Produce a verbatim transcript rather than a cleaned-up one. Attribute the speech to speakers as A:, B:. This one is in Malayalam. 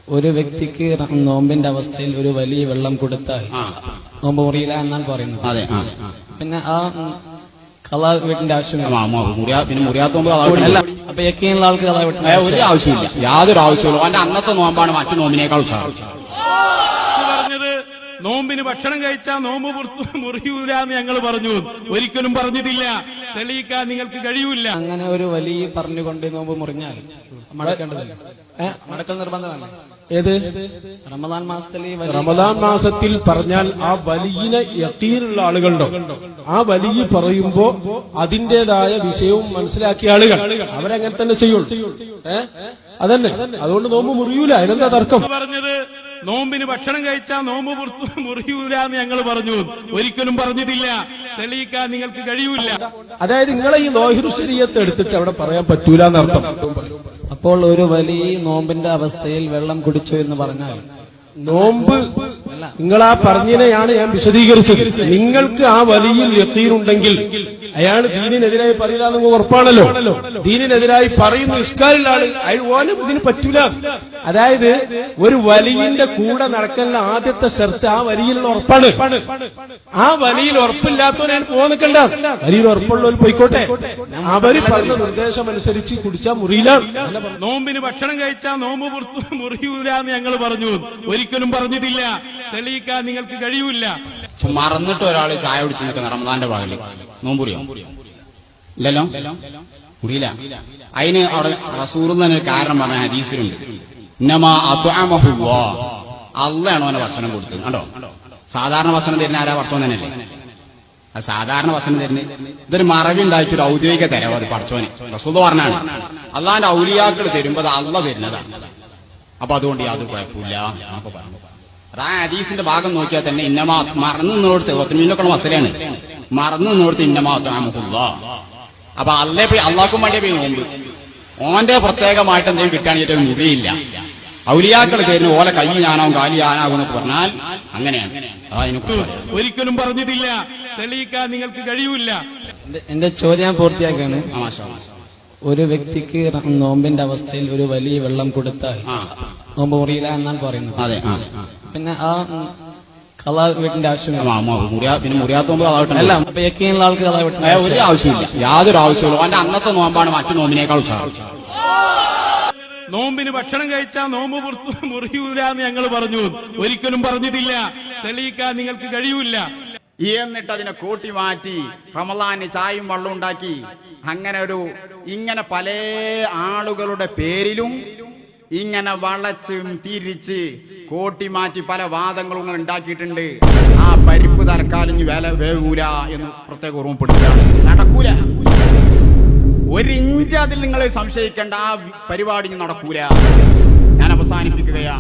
A: ഒരു വ്യക്തിക്ക് നോമ്പിന്റെ അവസ്ഥയിൽ ഒരു വലിയ വെള്ളം കൊടുത്താൽ നോമ്പ് മുറിയില്ല എന്നാണ് പറയുന്നത്.
B: അതെ.
A: പിന്നെ ആ കള വീട്ടിന്റെ ആവശ്യമില്ല.
B: പിന്നെ മുറിയാത്തോമ്പ്
A: അപ്പൊ യക്കീനുള്ള ആൾക്ക് കള വീട്ടിൽ
B: ഒരു ആവശ്യമില്ല, യാതൊരു ആവശ്യമില്ല. അവന്റെ അന്നത്തെ നോമ്പാണ് മറ്റു നോമ്പിനേക്കാൾ ഉത്സാഹം.
C: പറഞ്ഞത് നോമ്പിന് ഭക്ഷണം കഴിച്ചാൽ നോമ്പ് മുറിയൂല എന്ന് ഞങ്ങൾ പറഞ്ഞു, ഒരിക്കലും പറഞ്ഞിട്ടില്ല. തെളിയിക്കാൻ നിങ്ങൾക്ക് കഴിയൂല.
A: അങ്ങനെ ഒരു വലിയ പറഞ്ഞുകൊണ്ട് നോമ്പ് മുറിഞ്ഞാൽ മടക്കേണ്ടതല്ല, മടക്കൽ നിർബന്ധമല്ല. ഏത് റമദാൻ മാസത്തിൽ
D: റമദാൻ മാസത്തിൽ പറഞ്ഞാൽ ആ വലിയ യഖീനുള്ള ആളുകളുണ്ടോ, ആ വലിയ പറയുമ്പോ അതിന്റേതായ വിഷയവും മനസ്സിലാക്കിയ ആളുകൾ അവരങ്ങനെ തന്നെ ചെയ്യുള്ളൂ. ഏഹ് അതന്നെ, അതുകൊണ്ട് നോമ്പ് മുറിയൂല. അതിനെന്താ തർക്കം?
C: പറഞ്ഞത് നോമ്പിന് ഭക്ഷണം കഴിച്ചാൽ നോമ്പ് മുറിയൂല എന്ന് ഞങ്ങൾ പറഞ്ഞു, ഒരിക്കലും പറഞ്ഞിട്ടില്ല. തെളിയിക്കാൻ നിങ്ങൾക്ക് കഴിയൂല.
D: അതായത് നിങ്ങളെ ഈ നോഹിറു ശരീഅത്ത് എടുത്തിട്ട് അവിടെ പറയാൻ പറ്റൂല എന്നർത്ഥം.
A: അപ്പോൾ ഒരു വലിയ നോമ്പിന്റെ അവസ്ഥയിൽ വെള്ളം കുടിച്ചു എന്ന് പറഞ്ഞാൽ
D: നോമ്പ് നിങ്ങൾ ആ പറഞ്ഞതിനെയാണ് ഞാൻ വിശദീകരിച്ചത്. നിങ്ങൾക്ക് ആ വലിയ യഖീനുണ്ടെങ്കിൽ അയാൾ ദീനിനെതിരായി പറയില്ല എന്ന് ഉറപ്പാണല്ലോ. ദീനിനെതിരായി പറയുന്ന ഇസ്കാലുള്ള ആള് അയാൾ ഓനും ഇതിന് പറ്റൂല. അതായത് ഒരു വലിയന്റെ കൂടെ നടക്കുന്ന ആദ്യത്തെ ഷർത്ത് ആ വലിയിലുള്ള ഉറപ്പാണ്. ആ വലിയിൽ ഉറപ്പില്ലാത്തവനാണ് പോകാൻ നിൽക്കണ്ട. വലിയിൽ ഉറപ്പുള്ളവർ പോയിക്കോട്ടെ. അവര് പറഞ്ഞ നിർദ്ദേശം അനുസരിച്ച് കുടിച്ചാൽ മുറിയില്ല.
C: നോമ്പിന് ഭക്ഷണം കഴിച്ചാൽ നോമ്പ് മുറിയൂല എന്ന് ഞങ്ങൾ പറഞ്ഞു, ഒരിക്കലും പറഞ്ഞിട്ടില്ല. തെളിയിക്കാൻ നിങ്ങൾക്ക് കഴിയൂല.
B: മറന്നിട്ട് ഒരാൾ ചായ കുടിച്ച് നിൽക്കുന്ന റമദാന്റെ പകല് നോമ്പുറിയോ? ഇല്ലല്ലോ, മുറിയില്ല. അതിന് അവിടെ റസൂൽ തന്നെ കാരണം പറഞ്ഞ ഹദീസിലുണ്ട്, ഇന്നമാ അത്അമഹുല്ലാ, അള്ളാണ് അവനെ ഭക്ഷണം കൊടുത്തത്. കണ്ടോ, സാധാരണ ഭക്ഷണം തരുന്ന ആരാ? പടച്ചോൻ തന്നെയല്ലേ. അത് സാധാരണ ഭക്ഷണം തരുന്നത് ഇതൊരു മറവി ഉണ്ടാക്കി ഒരു ഔദ്യോഗിക തരവ്. അത് പടച്ചോനെ റസൂൽ പറഞ്ഞാണ്. അള്ളാന്റെ ഔലിയാക്കൾ തരുമ്പോ അത് അള്ള തരുന്നതാണ്. അപ്പൊ അതുകൊണ്ട് യാതൊരു കുഴപ്പമില്ല എന്നൊക്കെ പറഞ്ഞു. അത് ആ ഹദീസിന്റെ ഭാഗം നോക്കിയാൽ തന്നെ ഇന്നമാ മറന്നു നിന്നോടത്ത് ഒത്തിനൊക്കെ മസലയാണ്. മറന്നു നിന്നോടത്ത് ഇന്നമാ അത്അമഹുല്ലാ. അപ്പൊ അല്ലേ പോയി അള്ളാഹ്ക്കും വേണ്ടിയ പോയി നോമ്പ്. ഓന്റെ പ്രത്യേകമായിട്ട് എന്തെങ്കിലും കിട്ടുകയാണെങ്കിൽ ഏറ്റവും മുറിയില്ല. ഔലിയാക്കൾ തരുന്ന ഓലെ കൈ ഞാനാവും കാലി ഞാനാവും എന്നൊക്കെ പറഞ്ഞാൽ അങ്ങനെയാണ്.
C: ഒരിക്കലും പറഞ്ഞിട്ടില്ല. തെളിയിക്കാൻ നിങ്ങൾക്ക് കഴിയൂല.
A: എന്റെ ചോദ്യം ഞാൻ പൂർത്തിയാക്കാണ്. ഒരു വ്യക്തിക്ക് നോമ്പിന്റെ അവസ്ഥയിൽ ഒരു വലിയ വെള്ളം കൊടുത്താൽ നോമ്പ് മുറിയില്ല എന്നാണ് പറയുന്നത്.
B: അതെ.
A: പിന്നെ ആ കള വീട്ടിന്റെ ആവശ്യമില്ല.
B: പിന്നെ മുറിയാത്തോമ്പ്
A: അല്ല, അപ്പൊ യക്കീനുള്ള ആൾക്ക് കള വീട്ടിൽ
B: ഒരു ആവശ്യമില്ല, യാതൊരു ആവശ്യമില്ല. അവന്റെ അന്നത്തെ നോമ്പാണ് മറ്റു നോമ്പിനേക്കാൾ ഉത്സാഹം.
C: നോമ്പിന് ഭക്ഷണം കഴിച്ചാൽ നോമ്പ് മുറിയൂല എന്ന് ഞങ്ങൾ പറഞ്ഞു, ഒരിക്കലും പറഞ്ഞിട്ടില്ല. തെളിയിക്കാൻ നിങ്ങൾക്ക് കഴിയൂല.
B: എന്നിട്ട് അതിനെ കൂട്ടി മാറ്റി റമളാന് ചായയും വെള്ളം ഉണ്ടാക്കി. അങ്ങനെ ഒരു ഇങ്ങനെ പല ആളുകളുടെ പേരിലും ഇങ്ങനെ വളച്ചും തിരിച്ച് കൂട്ടി മാറ്റി പല വാദങ്ങളും ഉണ്ടാക്കിയിട്ടുണ്ട്. ആ പരിപ്പ് തൽക്കാലം വേല വേവൂല എന്ന് പ്രത്യേക ഓർമ്മപ്പെടുത്തുകയാണ്. നടക്കൂല, ഒരിഞ്ച് അതിൽ നിങ്ങൾ സംശയിക്കേണ്ട. ആ പരിപാടി നടക്കൂല. ഞാൻ അവസാനിപ്പിക്കുകയാണ്.